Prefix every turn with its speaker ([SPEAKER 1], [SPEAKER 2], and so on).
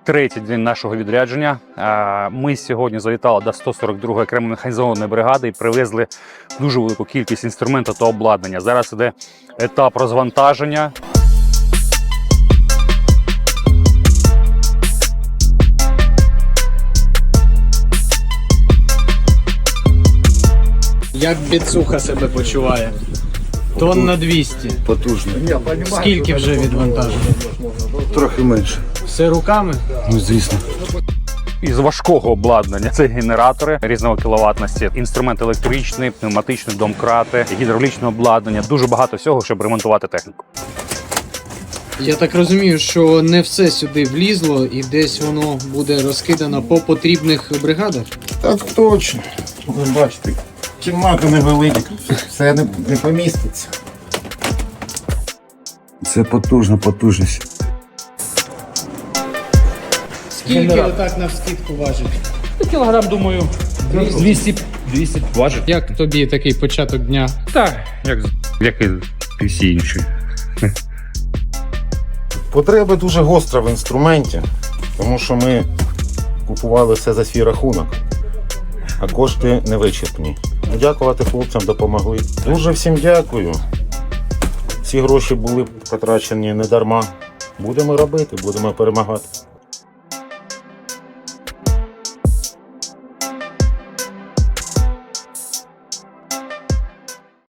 [SPEAKER 1] третій день нашого відрядження. Ми сьогодні завітали до 142-ї окремої механізованої бригади і привезли дуже велику кількість інструменту та обладнання. Зараз іде етап розвантаження.
[SPEAKER 2] Як біцуха себе почуває? Тонн на 200.
[SPEAKER 3] Потужно.
[SPEAKER 2] Скільки вже відвантажено?
[SPEAKER 3] Трохи менше.
[SPEAKER 2] Все руками?
[SPEAKER 3] Ну, звісно.
[SPEAKER 1] Із важкого обладнання це генератори різного кіловатності, інструмент електричний, пневматичний, домкрати, гідравлічне обладнання. Дуже багато всього, щоб ремонтувати техніку.
[SPEAKER 2] Я так розумію, що не все сюди влізло і десь воно буде розкидано по потрібних бригадах?
[SPEAKER 3] Так точно. Ви бачите, кімната невелика, все не поміститься. Це потужність.
[SPEAKER 2] Скільки отак навскидку важить?
[SPEAKER 1] Кілограм, думаю, 200 важить.
[SPEAKER 2] Як тобі такий початок дня?
[SPEAKER 1] Так, як і всі інші.
[SPEAKER 3] Потреба дуже гостра в інструменті, тому що ми купували все за свій рахунок, а кошти невичерпні. Дякувати хлопцям, допомогли. Дуже всім дякую. Ці гроші були потрачені не дарма. Будемо робити, будемо перемагати.